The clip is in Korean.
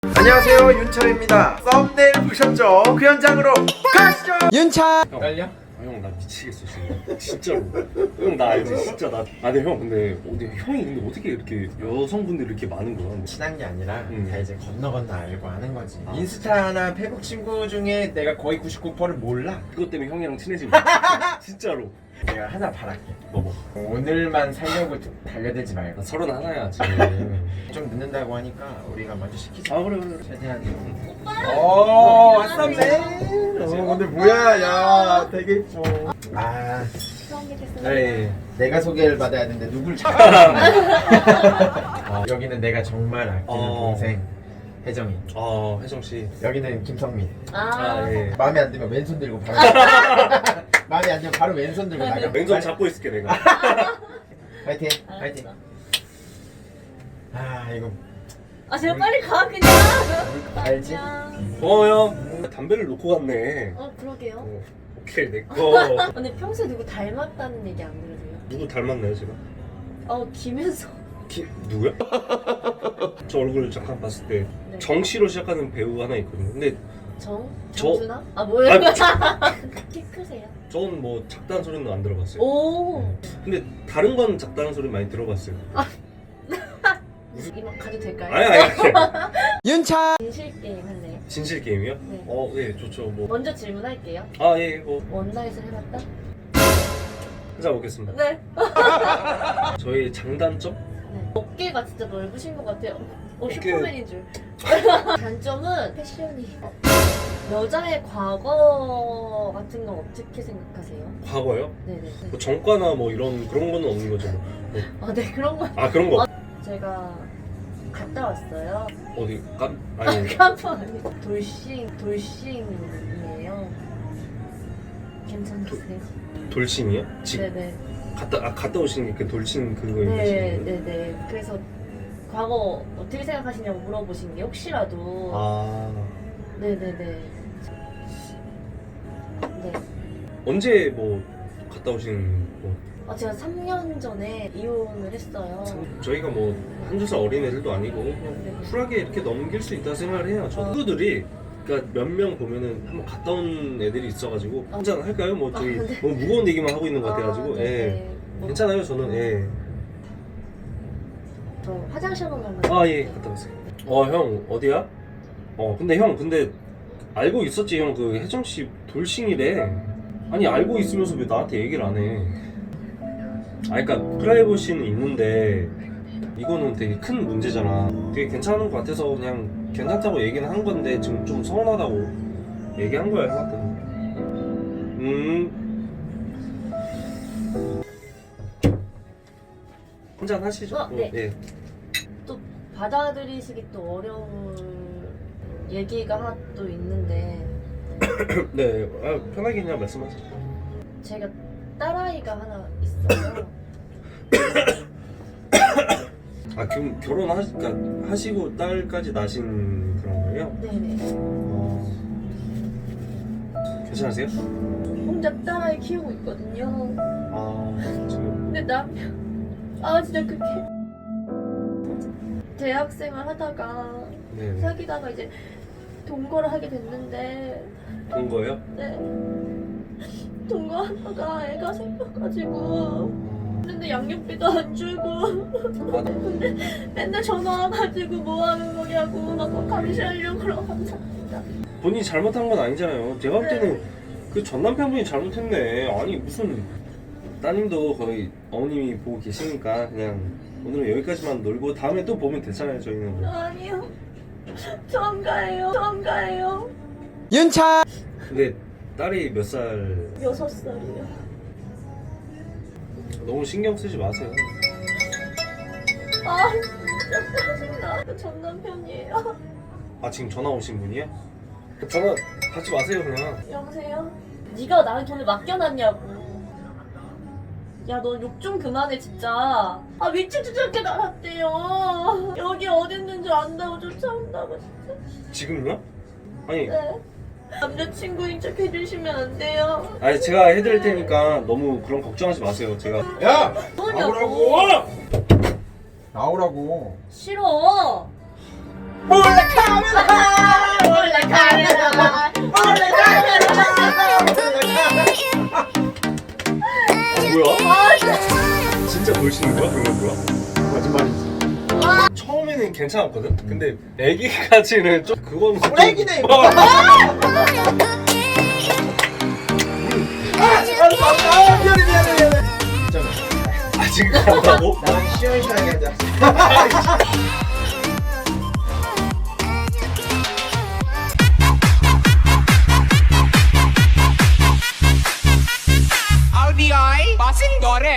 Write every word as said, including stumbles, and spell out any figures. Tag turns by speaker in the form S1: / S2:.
S1: 안녕하세요, 윤철입니다. 썸네일 보셨죠? 그 현장으로 가시죠. 윤철.
S2: 형 떨려? 아, 형 나 미치겠어 지금 진짜로. 형 나 알지 진짜 나. 아 근데 형 근데 어디 형이 근데 어떻게 이렇게 여성분들이 이렇게 많은 거야?
S1: 친한 게 아니라
S2: 음.
S1: 다 이제 건너 건너 알고 하는 거지.
S2: 아.
S1: 인스타나 페북 친구 중에 내가 거의 구십구 퍼센트를 몰라.
S2: 그것 때문에 형이랑 친해진 거야. 진짜로.
S1: 내가 하나 바랄게.
S2: 뭐 뭐.
S1: 오늘만 살려고 좀 달려들지 말고.
S2: 나 서른 하나야 지금.
S1: 좀 늦는다고 하니까 우리가 먼저 시키자.
S2: 아 그래 그래.
S1: 최대한.
S3: 오빠!
S1: 오,
S3: 안녕하세요.
S1: 왔었네. 어, 근데 뭐야, 야, 되게 예뻐. 아,
S3: 처음 뵙겠습니다.
S1: 네. 내가 소개를 받아야 되는데 누굴 찾아? 아, 여기는 내가 정말 아끼는
S2: 어.
S1: 동생 혜정이.
S2: 아 혜정 씨.
S1: 여기는 김성민.
S3: 아,
S2: 아 예.
S1: 마음에 안 들면 왼손 들고 바로. 마음에 안 들면 바로 왼손 들고 나가.
S2: 왼손 잡고 있을게 내가.
S1: 파이팅,
S3: 알았어.
S1: 파이팅. 아, 이거
S3: 아 제가 빨리 가 그냥.
S1: 알지?
S3: 안녕.
S2: 어 형. 담배를 놓고 갔네.
S3: 어 그러게요.
S2: 어, 오케이 내 거.
S3: 근데 평소에 누구 닮았다는 얘기 안 들으세요?
S2: 누구 닮았나요 제가?
S3: 어 김현석.
S2: 키 누구야? 저 얼굴 잠깐 봤을 때
S3: 네.
S2: 정씨로 시작하는 배우 하나 있거든요. 근데
S3: 정?
S2: 저-
S3: 정준아? 아 뭐예요? 키 크세요?
S2: 저는 뭐 작다는 소리는 안 들어봤어요.
S3: 오.
S2: 근데 다른 건 작다는 소리 많이 들어봤어요.
S3: 이만 가도 될까요?
S2: 아니 아니 아니.
S1: 윤차.
S3: 진실 게임 할래요?
S2: 진실 게임이요?
S3: 네.
S2: 어, 예, 좋죠. 뭐.
S3: 먼저 질문할게요.
S2: 아, 예, 뭐
S3: 원나잇을 해봤다?
S2: 하자 보겠습니다.
S3: 네.
S2: 저희 장단점?
S3: 네. 어깨가 진짜 넓으신 것 같아요. 어,
S2: 어깨-
S3: 슈퍼맨인 줄. 단점은 패션이. 어, 여자의 과거 같은 건 어떻게 생각하세요?
S2: 과거요?
S3: 네네.
S2: 뭐 정과나 뭐 이런 그런 거는 없는 거죠. 뭐.
S3: 아, 네 그런 거.
S2: 아, 그런 거.
S3: 제가 갔다 왔어요.
S2: 어디 깜 아니.
S3: 깜빡 아니고 돌싱 돌싱이에요. 괜찮으세요?
S2: 돌싱이요? 지금
S3: 네네.
S2: 갔다 아, 갔다 오신 게 그 돌싱 그거
S3: 네,
S2: 얘기하시는 거예요?
S3: 네네. 그래서 과거 어떻게 생각하시냐고 물어보신 게 혹시라도.
S2: 아.
S3: 네네네. 네.
S2: 언제 뭐 갔다 오신 뭐
S3: 아, 제가 삼 년 전에 이혼을 했어요.
S2: 저희가 뭐 한두 살 어린 애들도 아니고 그냥 쿨하게 이렇게 넘길 수 있다 생각을 해요. 저
S3: 어.
S2: 친구들이 그러니까 몇 명 보면은 한번 갔다 온 애들이 있어가지고
S3: 어.
S2: 한잔 할까요? 뭐 저희
S3: 아, 네.
S2: 너무 무거운 얘기만 하고 있는 것 같아가지고
S3: 아,
S2: 예.
S3: 네네. 뭐,
S2: 괜찮아요 저는 예.
S3: 저 화장실 한 번만.
S2: 아 예 갔다 왔어요. 어 형 어디야? 어 근데 형 근데 알고 있었지 형 그 혜정 씨 돌싱이래. 아니 알고 있으면서 왜 나한테 얘기를 안 해? 아 그러니까 프라이버시는 있는데 이거는 되게 큰 문제잖아. 되게 괜찮은 것 같아서 그냥 괜찮다고 얘기는 한 건데 지금 좀 서운하다고 얘기한 거야 형한테. 음. 한잔 하시죠.
S3: 어, 네.
S2: 예.
S3: 또 받아들이시기 또 어려울 얘기가 하나 또 있는데
S2: 네. 아, 편하게 그냥 말씀하세요.
S3: 제가 딸아이가 하나 있어요.
S2: 아 그럼 결혼하시 그러니까 하시고 딸까지 낳으신 그런 거예요?
S3: 네네.
S2: 어. 괜찮으세요?
S3: 혼자 딸아이 키우고 있거든요.
S2: 아 지금
S3: 근데 남편 아 진짜 그게 대학생을 하다가
S2: 네.
S3: 사귀다가 이제 동거를 하게 됐는데
S2: 본 거예요?
S3: 네 동거하다가 애가 생겨가지고 근데 양육비도 안 주고
S2: 아,
S3: 근데 맨날 전화 와가지고 뭐 하는 거냐고 막 감시하려고 그러고 감사합니다.
S2: 본인이 잘못한 건 아니잖아요. 제가 볼 때는
S3: 네.
S2: 그 전 남편분이 잘못했네. 아니 무슨 따님도 거의 어머님이 보고 계시니까 그냥 오늘은 여기까지만 놀고 다음에 또 보면 되잖아요 저희는.
S3: 아니요 처음 가요 처음 가요
S1: 윤차.
S2: 근데 딸이 몇 살?
S3: 여섯 살이요.
S2: 너무 신경 쓰지 마세요.
S3: 아 진짜 짜증나. 그 전 남편이에요.
S2: 아 지금 전화 오신 분이야? 전화 받지 마세요 그냥.
S3: 여보세요? 네가 나한테 돈을 맡겨놨냐고. 야 너 욕 좀 그만해 진짜. 아 미친 듯이 저렇게 날았대요. 여기 어딨는 줄 안다고 쫓아온다고 진짜.
S2: 지금요? 아니
S3: 네. 남자친구인 척 해주시면 안 돼요.
S2: 아니 제가 해드릴 테니까 너무 그런 걱정하지 마세요. 제가
S1: 야,
S3: 뭐냐고.
S1: 나오라고. 나오라고.
S3: 싫어.
S1: 몰래 카메라 몰래 카메라 몰래 카메라
S2: 뭐야?
S3: 아 진짜.
S2: 진짜 돌싱인 거야? 그건 뭐야?
S1: 거짓말이지.
S2: 처음에는 괜찮았거든? 근데 애기까지는 좀 그건 좀-
S1: 애기네.
S2: 어.
S1: 아, 미안해 미안해 미안해.
S2: 아직 간다고?
S1: 나는 시원시원하게 앉아.